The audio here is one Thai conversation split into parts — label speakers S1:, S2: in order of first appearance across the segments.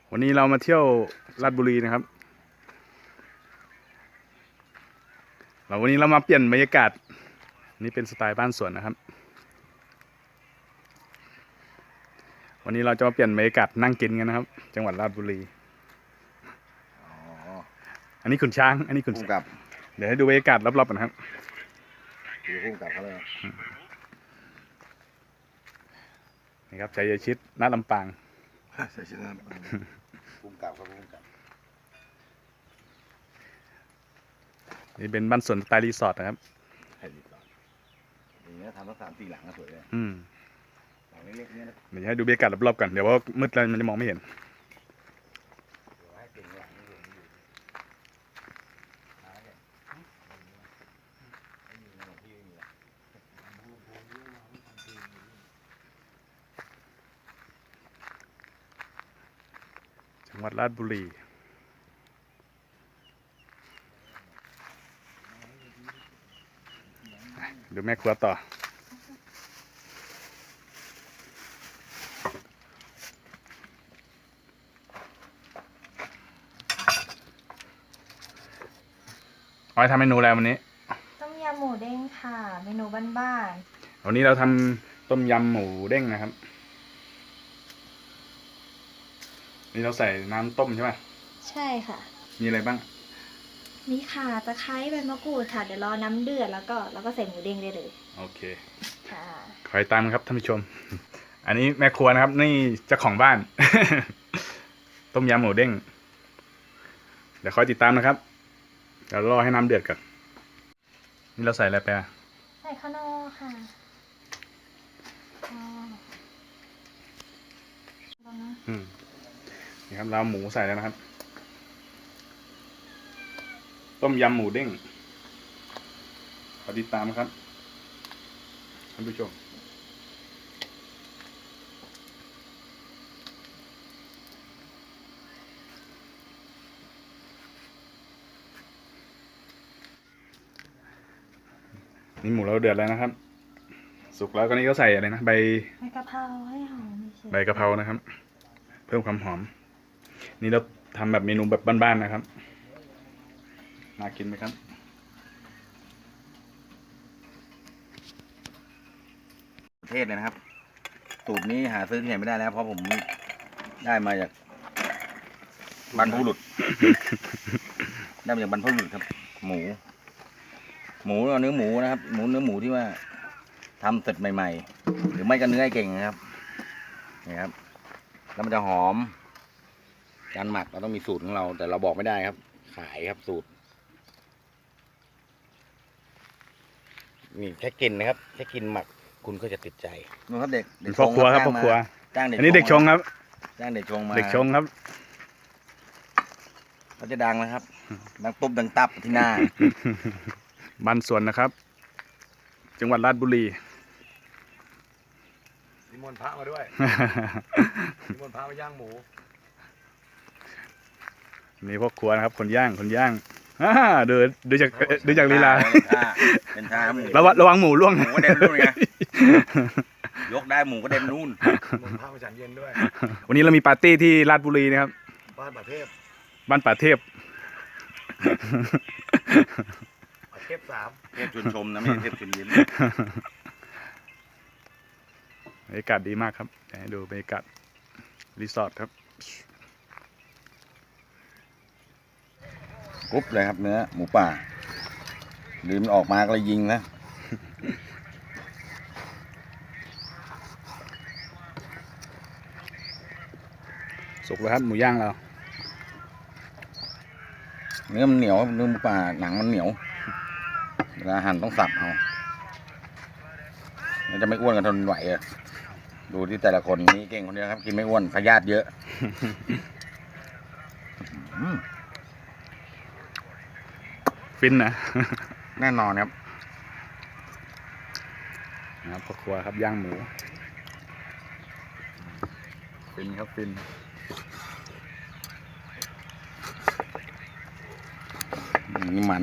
S1: วันนี้เรามาเที่ยวราชบุรีนะครับวันนี้เรามาเปลี่ยนบรรยากาศนี่เป็นสไตล์บ้านสวนนะครับวันนี้เราจะมาเปลี่ยนบรรยากาศนั่งกินกันนะครับจังหวัดราชบุรีอันนี้ขุนช้างอันนี้ขุนกับเดี๋ยวให้ดูบรรยากาศรอบๆกันครับ
S2: ดูคู่กับเขาเลย
S1: นี่ครับชัยชิดณลำปาง
S2: ชัยชิดณลำปางคู่กับครับคู่กับ
S1: นี่เป็นบ้านสวนสไตล์รีสอร์ทนะครับ
S2: อย่างเงี้ยทำทั้ง3-4 หลังก็สวยเลยหลังเล็กๆเนี่ยนะ
S1: เดี๋ยวให้ดูบรรยากาศรอบๆกันเดี๋ยวว่ามืดแล้วมันจะมองไม่เห็นจังหวัดราชบุรีดูแม่ครัวต่อเอาไปทำเมนูอะไรวันนี้
S3: ต้มยำหมูเด้งค่ะเมนูบ้าน
S1: ๆวันนี้เราทำต้มยำหมูเด้งนะครับนี่เราใส่น้ำต้มใช่ไหม
S3: ใช่ค่ะ
S1: มีอะไรบ้าง
S3: มีข่าตะไคร้ใบมะกรูดค่ะเดี๋ยวรอน้ำเดือดแล้วก็ใส่หมูเด้งได้เลย
S1: โอเค
S3: ค่ะ
S1: คอยตามครับท่านผู้ชมอันนี้แม่ครัวนะครับนี่เจ้าของบ้าน ต้มยำหมูเด้งเดี๋ยวคอยติดตามนะครับเดี๋ยวรอให้น้ำเดือดก่อนนี่เราใส่อะไรไป
S3: ใส่ข้าวโพดค่ะ
S1: นี่ครับเราหมูใส่แล้วนะครับต้มยำหมูเด้งขอติดตามครับท่านผู้ชมนี่หมูเราเดือดแล้วนะครับสุกแล้วก็นี่ก็ใส่อะไรนะใบ
S3: กะเพราให้หอม
S1: ใบกะเพรานะครับเพิ่มความหอมนี่เราทำแบบเมนูแบบบ้านๆนะครับน่ากินไหมครับ
S2: ประเทศเลยนะครับสูตรนี้หาซื้อที่ไหนไม่ได้แล้วเพราะผมได้มาจากบรรพบุรุษได้มาจากบรรพบุรุษครับหมูเนื้อหมูนะครับเนื้อหมูที่ว่าทำเสร็จใหม่ๆหรือไม่ก็เนื้อไอ้เก่งนะครับนี่ครับแล้วมันจะหอมการหมักเราต้องมีสูตรของเราแต่เราบอกไม่ได้ครับขายครับสูตรนี่แค่กินนะครับแค่กินหมักคุณก็จะติดใจนู่นครับเด็ก
S1: พ่อครัวครับพ่อครัวอันนี้เด็กชงครับ
S2: จ้างเด็กชงมา
S1: เด็กชงครับ
S2: เขาจะดังนะครับดังตุ๊บดังตับที่หน้า
S1: บ้านสวนนะครับจังหวัดราชบุรี
S2: นิมนต์พระมาด้วยนิมนต์พระมาย่างหมู
S1: นี่พ่อครัวนะครับคนย่างดูจากลีลา
S2: เป็นท่า
S1: ระวังหมูร่วง
S2: หมูก็เด่นนู่นไงยกได้หมูก็เด่นนู่นพระมาฉันเย็นด้วย
S1: วันนี้เรามีปาร์ตี้ที่ราชบุรีนะครับ
S2: บ้านป่าเทพเทพ3เทพชุนชมนะไม่ใช่เทพชุนยิ้ม
S1: บรรยากาศดีมากครับให้ดูบรรยากาศรีสอร์ทครับ
S2: กรุ๊บเลยครับเนื้อหมูป่าลืมออกมาก็เลยยิงนะ
S1: สุกแล้วครับหมูย่างเรา
S2: เนื้อมันเหนียวเนื้อหมูป่าหนังมันเหนียวเวลาหั่นต้องสับเอามันจะไม่อ้วนกันทนไหวอะดูที่แต่ละคนนี่เก่งคนเดียวครับกินไม่อ้วนพยาธิเยอะ
S1: ฟินนะ
S2: แน่นอนครับ
S1: นะครับพ่อครัวครับย่างหมูฟินครับฟิน
S2: นี่มัน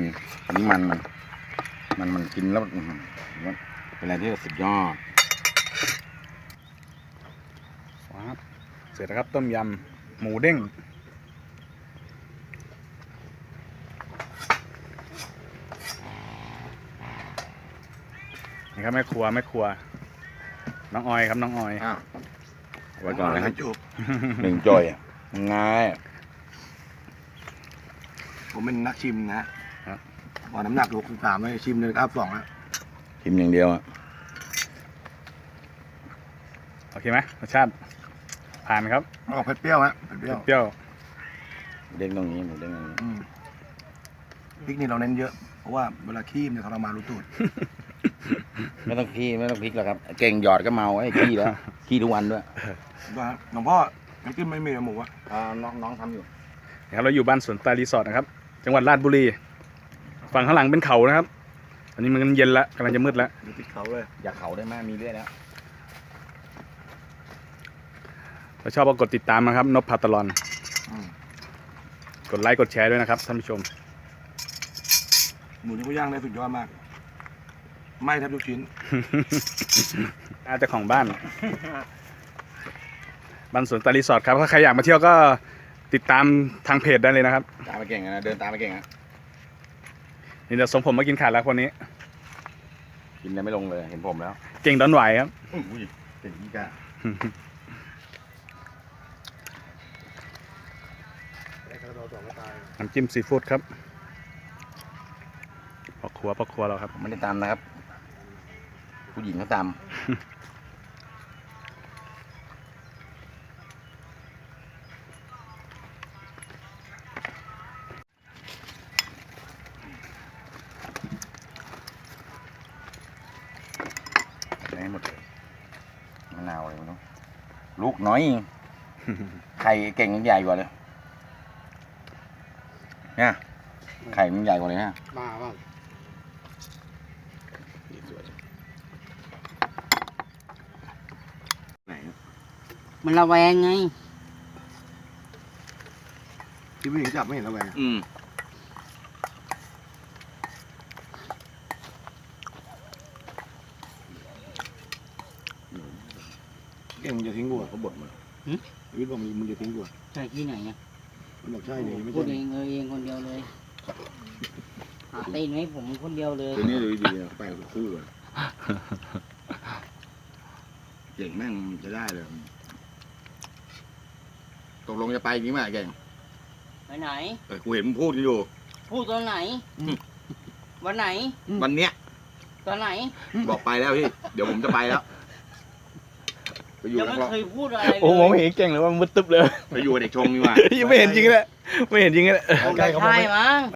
S2: กินแล้วเป็นอะไรที่สุดยอด
S1: เสร็จแล้วครับต้มยำหมูเด้งนี่ครับแม่ครัวน้องออยครับน้องออย
S2: อ้าวไว้ก่อนนะครับหนึ่งจอยอ่ะง่าย
S4: ผมเป็นนักชิมนะพอน้ำหนัก63เลยชิมเลยครับ2แล้ว
S2: ชิมอย่างเดียวอ่ะ
S1: โอเคไหมรสชาติผ่านครับ
S4: ออกเผ็ดเปรี้ยวฮะเผ็ดเปรี้ยว
S1: เปรี้ยว
S2: เด้งตรงนี้หมูเด้งตรงนี้
S4: พริกนี่เราเน้นเยอะเพราะว่าเวลาคีบเนี่ยทรมานรู้ตูด
S2: ไม่ต้องขี้ไม่ต้องพริกแล้วครับ เก่งหยอดก็เมาไอ้ขี้แล้วขี้ทุกวันด้วย
S4: ว่าหลวงพ่อน้ำจิ้มไม่มีหมูอะ
S2: น้องทำอยู่
S1: นะครับเราอยู่บ้านสวนตารีสอร์ทนะครับ จังหวัดราชบุรี ฝั่งข้างหลังเป็นเขานะครับ อันนี้มันเย็นละกำลังจะมืดแล้ว
S4: อยู่ติดเขาเลย
S2: อยากเขาได้ไหมมีเรื่อยแล้ว
S1: ถ้าชอบก็กดติดตามนะครับนพพาตลอนกดไลค์กดแชร์ด้วยนะครับท่านผู้ชม
S4: หมูที่เขาย่างได้สุดยอดมากไหม้แทบทุกชิ้น
S1: น่าจะของบ้าน บ้านสวนตารีสอร์ทครับถ้าใครอยากมาเที่ยวก็ติดตามทางเพจได้เลยนะครับ
S2: ตามไปเก่งนะเดินตามไปเก่งนะ
S1: นี่เดี๋ยวส่งผมมากินขาดแล้วคนนี้
S2: กินได้ไม่ลงเลยเห็นผมแล้ว
S1: เก่งดอนไหวครับ
S2: อุ้ยเก่งอีกอะ
S1: น้ำจิ้มซีฟู้ดครับพ่อครัวเราครับ
S2: ผมไม่ได้ตามนะครับ ผู้หญิงเขาตามให้หมดเลยมะนาวอะไรไม่รู้ลูกน้อยไข่เก่งยังใหญ่กว่าเลยเนี่ยไข่มันใหญ่กว่าเลยฮะ
S4: บ้าบ้า
S2: ไหน
S5: มันระแวงไง
S4: ที่ผู้หญิงจับไม่เห็นระแวง เก่งมึงจะทิ้งกูเขาบ่นมาวิทย์บอกมึงจะทิ้งกู
S5: ใช่ที่ไหนอ่ะ
S4: มันบอกใช่เลยไม่
S5: พูด
S4: ใช่
S5: เองคนเดียวเลยหาตีนให้ผมคนเดียวเลย
S2: ตัวนี้ดูดีๆไปกับคู่เลยเก่งแม่งจะได้เลยตกลงจะไปจริงไหมเก่ง
S5: ไปไหน
S2: กูเห็นมึงพูดกันอยู่
S5: พูดตอนไหน วันไหน
S2: วันเนี้ย
S5: ตอนไหน
S2: บอกไปแล้วพี่ เดี๋ยวผมจะไปแล้ว ไปอยู่
S5: ยัง
S2: นัก
S5: ไม่
S2: ร้อง
S5: เคยพูดอะไรเลย
S1: โอ้มองเห็นเก่งเลยว่ามืดตึ๊บเลย
S2: ไปอยู่กับเด็กชงดีกว่า
S1: ไม่เห็นจริงเลยไม่เห็นจริงเลย
S5: ผมไม่ใช่มั้ง